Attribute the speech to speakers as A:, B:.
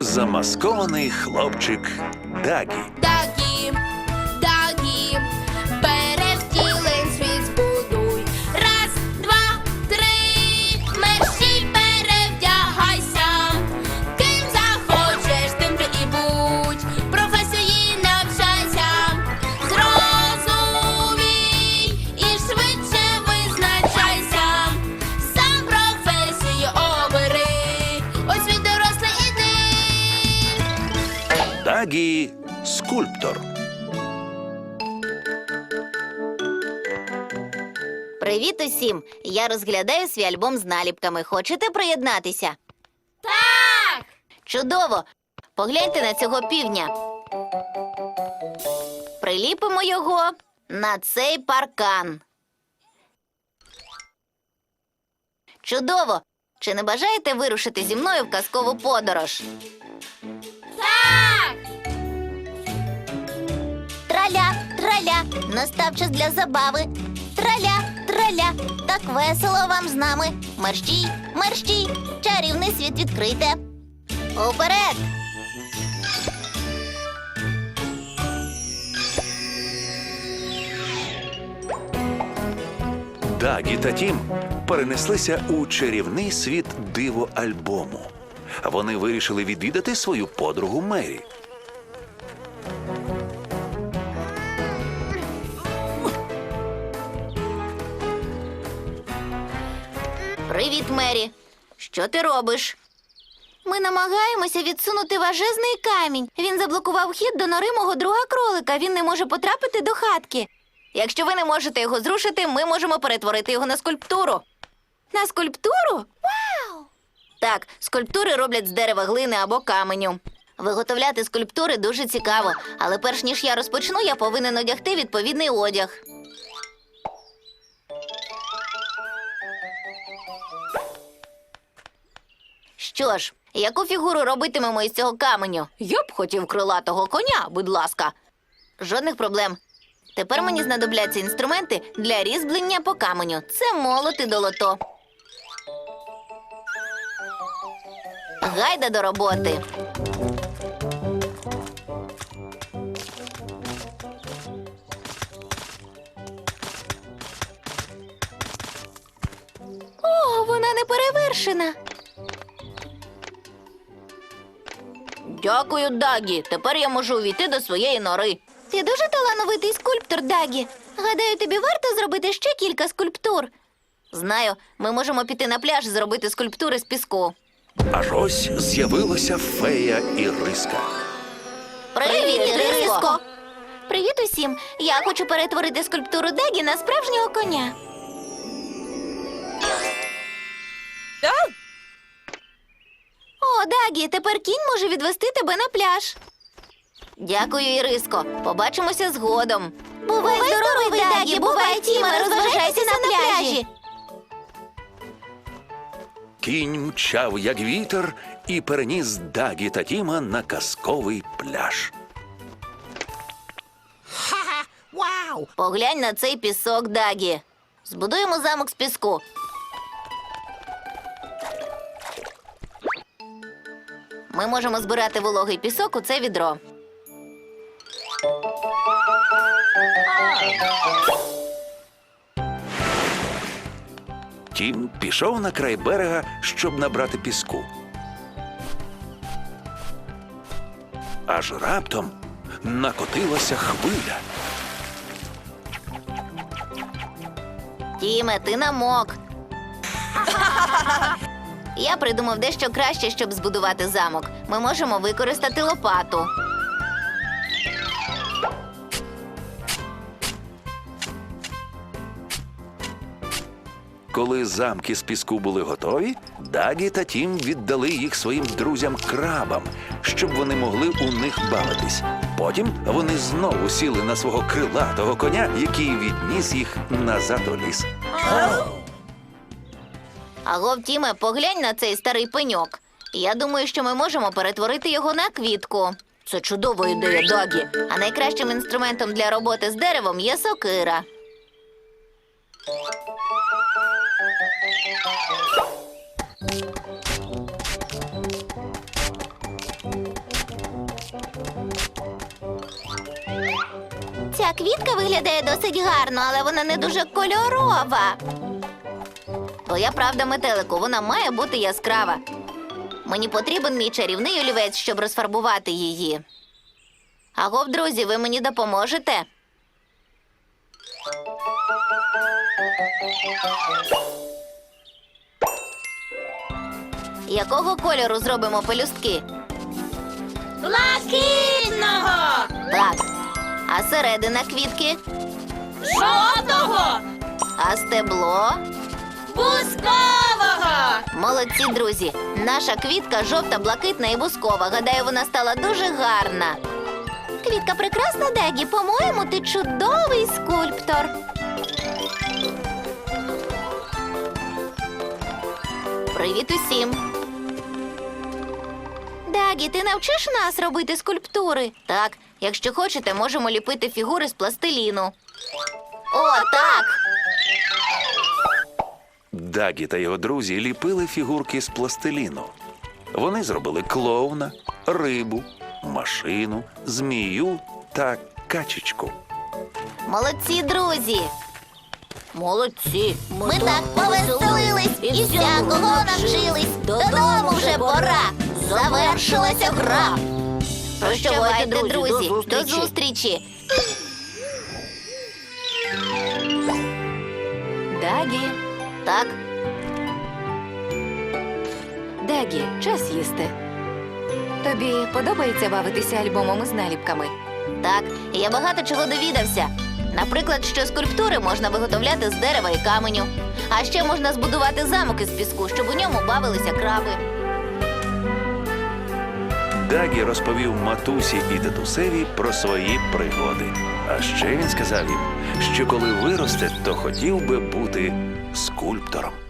A: Замаскований хлопчик Дагі.
B: Дагі, Дагі, перевтілень світ збудуй. Раз, два, три, мерщій перевдягайся. Ким захочеш, тим ти і будь. Професії навчайся. Зрозумій і швидше визначайся. Сам професію обери. Ось він дорослий іди.
A: Дагі – скульптор.
C: Привіт усім! Я розглядаю свій альбом з наліпками. Хочете приєднатися?
B: Так!
C: Чудово! Погляньте на цього півня. Приліпимо його на цей паркан. Чудово! Чи не бажаєте вирушити зі мною в казкову подорож?
B: Так!
C: Траля, траля, настав час для забави. Траля, траля, так весело вам з нами. Мерщій, мерщій, чарівний світ відкрийте. Уперед!
A: Дагі та Тім перенеслися у чарівний світ диво-альбому. Вони вирішили відвідати свою подругу Мері.
C: Привіт, Мері. Що ти робиш? Ми намагаємося відсунути важезний камінь. Він заблокував вхід до нори мого друга кролика. Він не може потрапити до хатки. Якщо ви не можете його зрушити, ми можемо перетворити його на скульптуру. На скульптуру? Вау! Так, скульптури роблять з дерева, глини або каменю. Виготовляти скульптури дуже цікаво, але перш ніж я розпочну, я повинен одягти відповідний одяг. Що ж, яку фігуру робитимемо із цього каменю? Я б хотів крилатого коня, будь ласка. Жодних проблем. Тепер мені знадобляться інструменти для різьблення по каменю. Це молот і долото. Гайда до роботи. О, вона не перевершена. Дякую, Дагі. Тепер я можу увійти до своєї нори. Ти дуже талановитий скульптор, Дагі. Гадаю, тобі варто зробити ще кілька скульптур. Знаю, ми можемо піти на пляж і зробити скульптури з піску.
A: Аж ось з'явилася фея Іриска.
C: Привіт, Іриско! Привіт усім! Я хочу перетворити скульптуру Дагі на справжнього коня. О, Дагі, тепер кінь може відвести тебе на пляж. Дякую, Іриско. Побачимося згодом. Бувай здоровий, Дагі, бувай, Тіма, розважайся на пляжі.
A: Кінь мчав, як вітер, і переніс Дагі та Тіма на казковий пляж.
C: Поглянь на цей пісок, Дагі. Збудуємо замок з піску. Ми можемо збирати вологий пісок у це відро.
A: Тім пішов на край берега, щоб набрати піску. Аж раптом накотилася хвиля.
C: Тіме, ти намок. Я придумав дещо краще, щоб збудувати замок. Ми можемо використати лопату.
A: Коли замки з піску були готові, Дагі та Тім віддали їх своїм друзям-крабам, щоб вони могли у них бавитись. Потім вони знову сіли на свого крилатого коня, який відніс їх назад у ліс.
C: Агов, Тіме, поглянь на цей старий пеньок. Я думаю, що ми можемо перетворити його на квітку. Це чудова ідея, Дагі. А найкращим інструментом для роботи з деревом є сокира. Ця квітка виглядає досить гарно, але вона не дуже кольорова. Твоя правда, метелику, вона має бути яскрава. Мені потрібен мій чарівний олівець, щоб розфарбувати її. Агов, друзі, ви мені допоможете? Якого кольору зробимо пелюстки?
B: Блакитного!
C: Так. А середина квітки?
B: Жовтого!
C: А стебло?
B: Бузкового!
C: Молодці, друзі! Наша квітка жовта, блакитна і бускова. Гадаю, вона стала дуже гарна. Квітка прекрасна, Дагі. По-моєму, ти чудовий скульптор. Привіт усім. Дагі, ти навчиш нас робити скульптури? Так, якщо хочете, можемо ліпити фігури з пластиліну. О, так!
A: Дагі та його друзі ліпили фігурки з пластиліну. Вони зробили клоуна, рибу, машину, змію та качечку.
C: Молодці, друзі! Молодці! Ми так повеселились і всякого навчились. Додому вже пора. Завершилася гра. Прощавайте, друзі. До зустрічі.
D: Дагі,
C: Так,
D: Дагі, час їсти. Тобі подобається бавитися альбомом з наліпками?
C: так. Я багато чого довідався. Наприклад, що скульптури можна виготовляти з дерева і каменю. А ще можна збудувати замок із піску, щоб у ньому бавилися краби.
A: Дагі розповів матусі і дедусеві про свої пригоди. А ще він сказав їм, що коли виросте, то хотів би бути скульптором.